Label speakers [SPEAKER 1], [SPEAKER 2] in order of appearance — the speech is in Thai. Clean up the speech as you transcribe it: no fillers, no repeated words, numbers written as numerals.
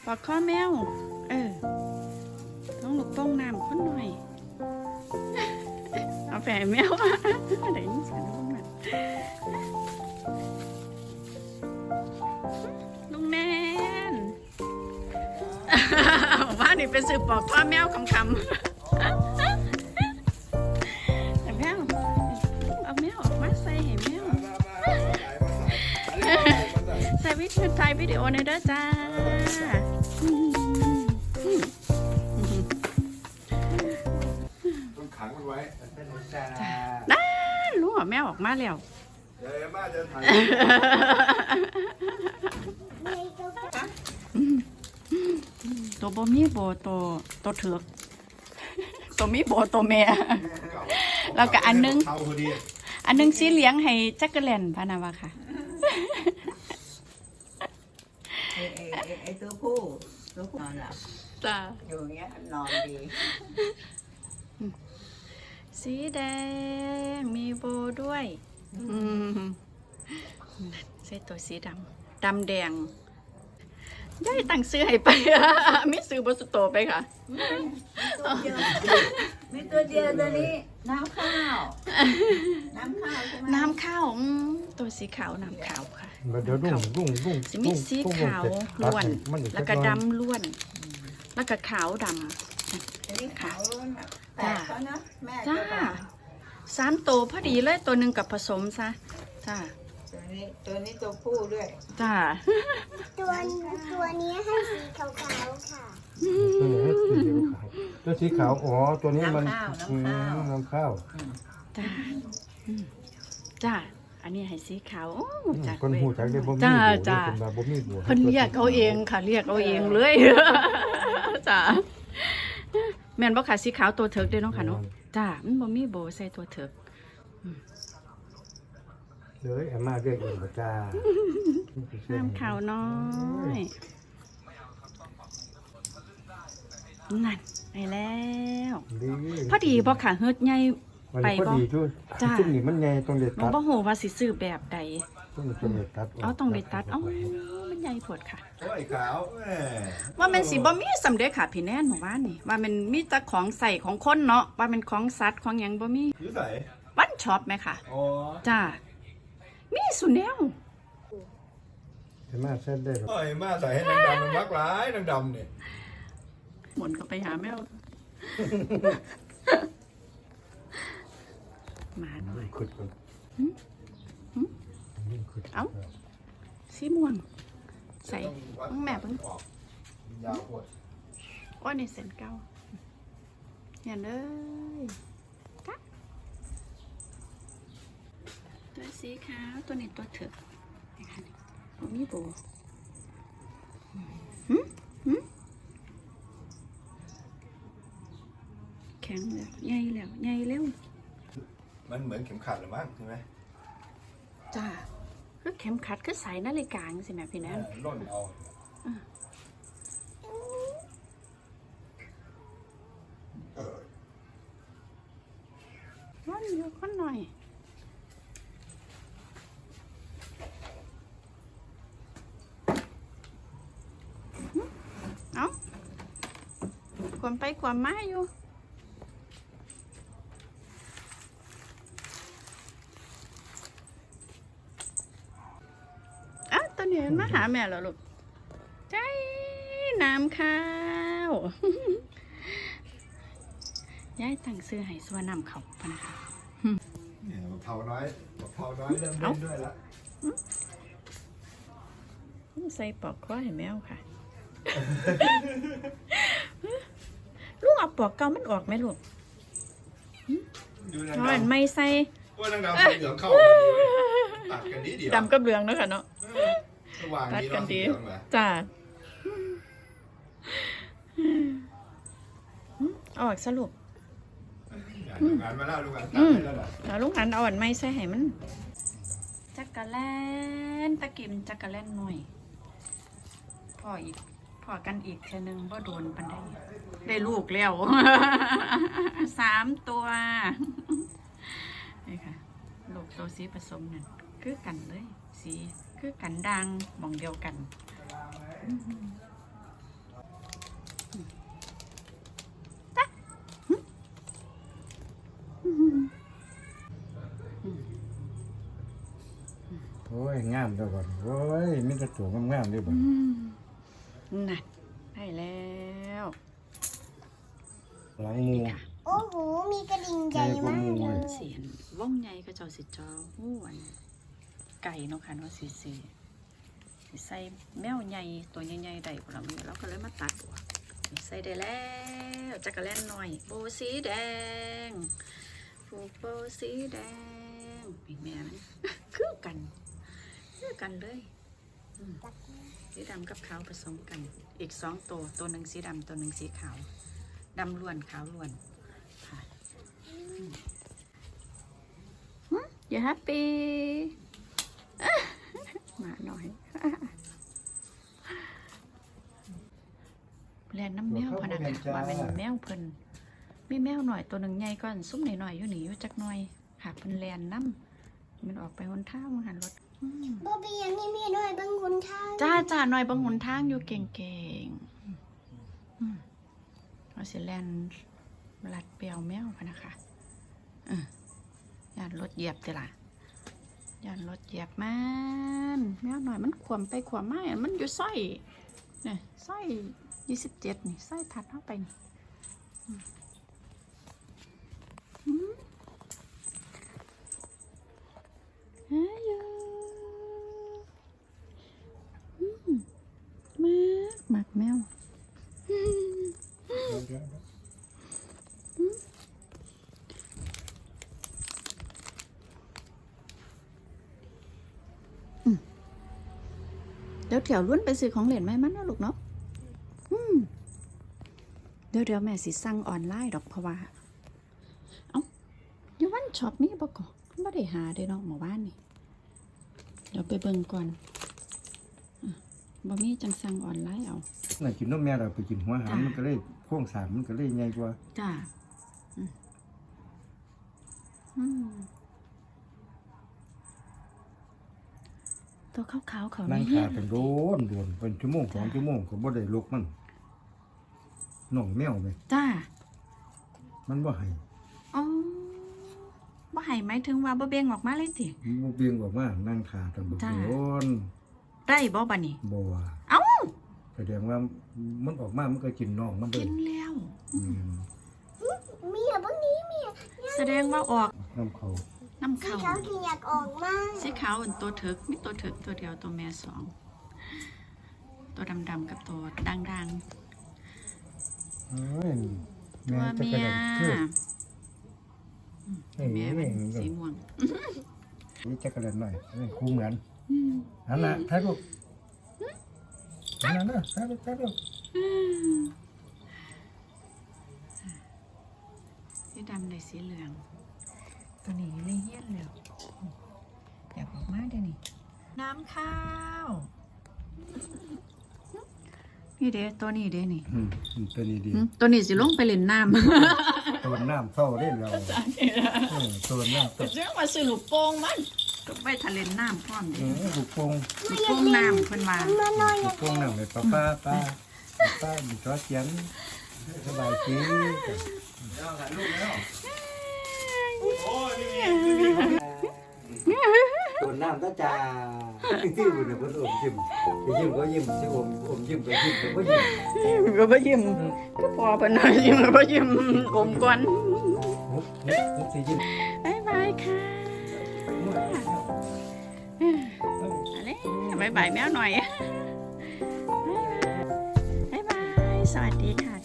[SPEAKER 1] ปอกข้อแมวต้องหลบป้องน้ำคนหน่อยเอาแฝงแมวเดี๋ยวนี้สารลุงลุงแนนว่านี่เป็นสื่อปอกข้อแมวคำแต่แมวเอาแมวออกมาใส่ให้แมวใส่วิดีโอถ่ายวิดีโอในเด้อจ้า
[SPEAKER 2] ต้องขังมันไว้
[SPEAKER 1] ได้รู้ว่าแมวออกมาแล้ว
[SPEAKER 2] เดี๋ยวมาจะถ่าย
[SPEAKER 1] ตัวบ่มีโบตัวเถือกตัวมีโบตัวแม่แล้วก็อันนึงสีเหลียงให้จักรแลนพานาวาค่ะ
[SPEAKER 3] ไอ้ตัวผู้นอนหลับ
[SPEAKER 1] จ้า
[SPEAKER 3] อยู่อย่างเงี้ยนอนดี
[SPEAKER 1] สีแดงมีโบด้วยใส่ตัวสีดำแดงย่ายตั้งซื้อให้ไปมีซื้อบสุโตไปค่ะ
[SPEAKER 3] มีตัวเดียวตัวนี้น้ำข้าวใช่ไหม
[SPEAKER 1] น้ำข้าวตัวสีขาวน้ำขาวค่ะ
[SPEAKER 4] เดี๋ยวรุ่ง
[SPEAKER 1] สีมีสีขาวล้วนแล้วก็ดำล้วนแล้วก็ขาวด
[SPEAKER 3] อันนี้ขาวล้วนแปลกเขานะแม่
[SPEAKER 1] ำจ้า3 ตัวพอดีเลยตัวหนึ่งกับผสมซะจ้า
[SPEAKER 3] ตัวนี้ตัวผู้ด้วย
[SPEAKER 1] จ้า
[SPEAKER 5] ตัวนี้ให้สีขาวๆค่ะ
[SPEAKER 4] ตัวสีขาวอ๋อตัวนี้มันน้ำข้าว
[SPEAKER 1] จ้าอันนี้ให้สีขาว
[SPEAKER 4] คนหูจักได้บ่มี
[SPEAKER 1] จ้า
[SPEAKER 4] บ่มีบัว
[SPEAKER 1] เพิ่นเรียกเอาเองค่ะเรียกเอาเองเลยจ้าแม่นบ่ค่ะสีขาวตัวเถิกเด้เนาะค่ะเนาะจ้ามันบ่มีโบใส่ตัวเถิก
[SPEAKER 4] เลยอาม่าเรียกเองจ้า
[SPEAKER 1] น้ำขาวน้อยนั่นไปแล้วพอดีบ่ค่ะเฮ็ดใหญ่ไปบ่
[SPEAKER 4] จ้าจุ่มนี่มันใหญ่ต้องได้ตัด
[SPEAKER 1] บ่ฮู้ว่าสิซื้อแบบใด
[SPEAKER 4] ต้องได้ตัด
[SPEAKER 1] ต้องได้ตัดมันใหญ่โพดค่ะ
[SPEAKER 2] โอ้ยขาว
[SPEAKER 1] ว่ามันสิบ่มีสำเร็จค่ะพี่แนนเมื่อวานนี่ว่ามันมีแต่ของใส่ของคนเนาะว่ามันของสัตว์ของหยังบ่มี
[SPEAKER 2] อยู่ไหน
[SPEAKER 1] วันช็อปไหมค่ะ
[SPEAKER 2] อ๋อ
[SPEAKER 1] จ้ามีสุแนว
[SPEAKER 4] อาม่าเส้นได้
[SPEAKER 2] โอ้ยมาใส่ให้นางดำมันมักร้ายนางดำเนี่ย
[SPEAKER 1] หมุนก็ไปหาแมวมาหน่อยเอ้าสีม่วงใส่ต้องแม่เพิ่ง
[SPEAKER 2] ยาวปวด
[SPEAKER 1] ว่าในเส้นเก้าเห็นเลยตัวสีขาวตัวนี้ตัวเถือกนะคะตัวมีโบแข็งแล้วใหญ่แล้ว
[SPEAKER 2] มันเหมือนเข็มขัดหรือมั้งใช่ไหม
[SPEAKER 1] จ้าคือเข็มขัดคือสายนาฬิกาสิแม่พี่แนน
[SPEAKER 2] ร่นเอา
[SPEAKER 1] ร่อนอยู่คนหน่อยเอ้าความไปความมาอยู่ตัวนี้มาหาแม่แล้วลูกใจน้ำข้าวยายตั้งซื้อให้ส่วนน้ำเขาพะนะคะ
[SPEAKER 2] เผาน้อยเริ่มเล่นด้วยละ
[SPEAKER 1] ใส่ปอกคอให้แมวค่ะลูกเอาปอกเก่ามันออกไหมลูกนอนไม่ใส่
[SPEAKER 2] ว่านางดำเหลืองเข้าตัดกันดีเดียว
[SPEAKER 1] ดำกับเหลืองเนาะค่ะเนาะ
[SPEAKER 2] ตัดกันดี
[SPEAKER 1] จ้าออกสรุป
[SPEAKER 2] งานมาแล้วลูกอัน
[SPEAKER 1] แล้วลูกอันเอาอันไม่ใส่ให้มันจักรแลนตะกิมจักรแลนหน่อยพอกันอีกแค่นึงบ่โดนปันได้ลูกแล้ว3 ตัวนี่ค่ะลูกตัวสีผสมนั่นคือกันเลยสีคือกันดังมองเดียวกัน
[SPEAKER 4] งามเด้อก่อนโอ้ยมีแต่ตัวงามๆเด้อบ่
[SPEAKER 1] นั่นได้แล้ว
[SPEAKER 4] หลังหมู
[SPEAKER 1] ค่ะ
[SPEAKER 5] โอ้โห มีกระดิ่งใหญ่มากเลย
[SPEAKER 1] เสียนว่องใหญ่ก็เจ้าสิจอหู้อันไก่เนาะค่ะเนาะสิใส่แมวใหญ่ตัวใหญ่ๆได้พวกเราเนี่ยเราก็เลยมาตัดออกใส่ได้แล้วจักรแลนหน่อยโบสีแดงผูกโบสีแดงพี่แม่มัน คือกันเลยสีดำกับขาวผสมกันอีก2ตัวหนึ่งสีดำตัวหนึ่งสีขาวดำล้วนขาวล้วนค่ะอย่าแฮปปี้มาหน่อยแลนน้ำแมวพนักว่าเป็นแมวเพิ่นมีแมวหน่อยตัวหนึ่งใหญ่ก่อนซุ้มหน่อยๆอยู่หนีอยู่จักหน่อยค่ะเพิ่นแลนน้ำมันออกไปหนทางหันรถ
[SPEAKER 5] บอบบี้ยังนี่มีด้วยบางคนทาง
[SPEAKER 1] จ้าหน่อยบางหนทางอยู่เก่งเราสิแลนลัดเปียวแมวพนักค่ะยานรถเหยียบเตล่ะยานรถเหยียบมันแมวหน่อยมันขวมไปขวมมามันอยู่สร้อยเนี่ยสร้อย27นี่สร้อยถัดเข้าไปนี่หมักแมวเดี๋ยวเถียวล้วนไปซื้อของเหรียญไหมมันนะลูกเนาะเดี๋ยวแม่สิสั่งออนไลน์ดอกเพราะว่าเอ้าอยู่วันช็อปมีบ่ก่อนไม่ได้หาเด้เนาะหมู่บ้านนี่เดี๋ยวไปเบิ่งก่อนบ่มีจังสั่งออนไลน์เอา
[SPEAKER 4] น่ะกินนมแม่เราไปกินหัวหามมันก็เลยโครงสร้างมันก็เลยใหญ่กว่า
[SPEAKER 1] จ้าตัวขาวๆเขา
[SPEAKER 4] นั่ง
[SPEAKER 1] นี่
[SPEAKER 4] ขาเป็นโดนเป็นชั่วโมง2ชั่วโมงก็บ่ได้ลุกมันน้องแมวไหม
[SPEAKER 1] จ้า
[SPEAKER 4] มันบ่ให้
[SPEAKER 1] อ๋อบ่ให้หมายถึงว่าบ่เบ่งออกมาเลยสิ
[SPEAKER 4] มันเบี่ยงออกมานั่งขากันบ่
[SPEAKER 1] จ้า
[SPEAKER 4] โดน
[SPEAKER 1] ได้บ่บัดนี้
[SPEAKER 4] บ่ว่า
[SPEAKER 1] เอ้า
[SPEAKER 4] แสดงว่ามันออกมามันก็กินน้องมันเล
[SPEAKER 1] กิ
[SPEAKER 4] ย
[SPEAKER 1] นแล้ว
[SPEAKER 5] มีอะบางนี้มีอะ
[SPEAKER 1] แสดงว่าออก
[SPEAKER 4] น้ำเขา
[SPEAKER 1] น้ำ
[SPEAKER 5] สี
[SPEAKER 1] เข้า
[SPEAKER 5] ขาวคืออยากออกมาก
[SPEAKER 1] สีขาวอันตัวเถิกมีตัวเถิกตัวเดียวตัวแม่สองตัวดำๆกับตัวด่าง
[SPEAKER 4] เอ้ย
[SPEAKER 1] ๆตัว
[SPEAKER 4] จะ
[SPEAKER 1] เมี
[SPEAKER 4] กระ
[SPEAKER 1] ย
[SPEAKER 4] ดังคือเอ้ย
[SPEAKER 1] แม่มันสีม่วง
[SPEAKER 4] นี่จะกระดังหน่อยนี่คู่เหมือนอันน่ะถ่ายรูปอันนั้นนะถ่ายรูป
[SPEAKER 1] สีดำในสีเหลือง ตัวนี้เลยเฮี้ยนแล้วอยากออกมาเดี๋ยวนี้น้ำข้าวนี่เด้ตัวนี้เด้นี่
[SPEAKER 4] ตัวนี้ดี
[SPEAKER 1] ตัวนี้สิลงไปเล่นน้ำ
[SPEAKER 4] ตัวน้ำเศร้าได้เราตัวน้ำ
[SPEAKER 1] เรื่องมาซื้อลูกโป่งมันก็ไปทะเลน้ำพร้อมเด้
[SPEAKER 4] บุกโป่ง
[SPEAKER 1] ลูกโป่งน้ำเพิ่นว่า
[SPEAKER 5] มาหน่อย
[SPEAKER 4] บุกโป่งน้ำเลยป้ามีจอเสียงสบายจี
[SPEAKER 6] ตัวน้ำก็จะที่บุญเนี่ยคนอมยิ้มไปยิ้มก็ยิ้มที่อมยิ้มไปยิ้มก็ยิ้ม
[SPEAKER 1] ก็บ่ยิ้มก็พอเพิ่นน่ะยิ้มก็บ่ยิ้มอมก่อน
[SPEAKER 6] มุกที่ยิ้ม
[SPEAKER 1] บ๊ายบายค่ะบ๊ายบายแมวหน่อยบ๊ายบายสวัสดีค่ะ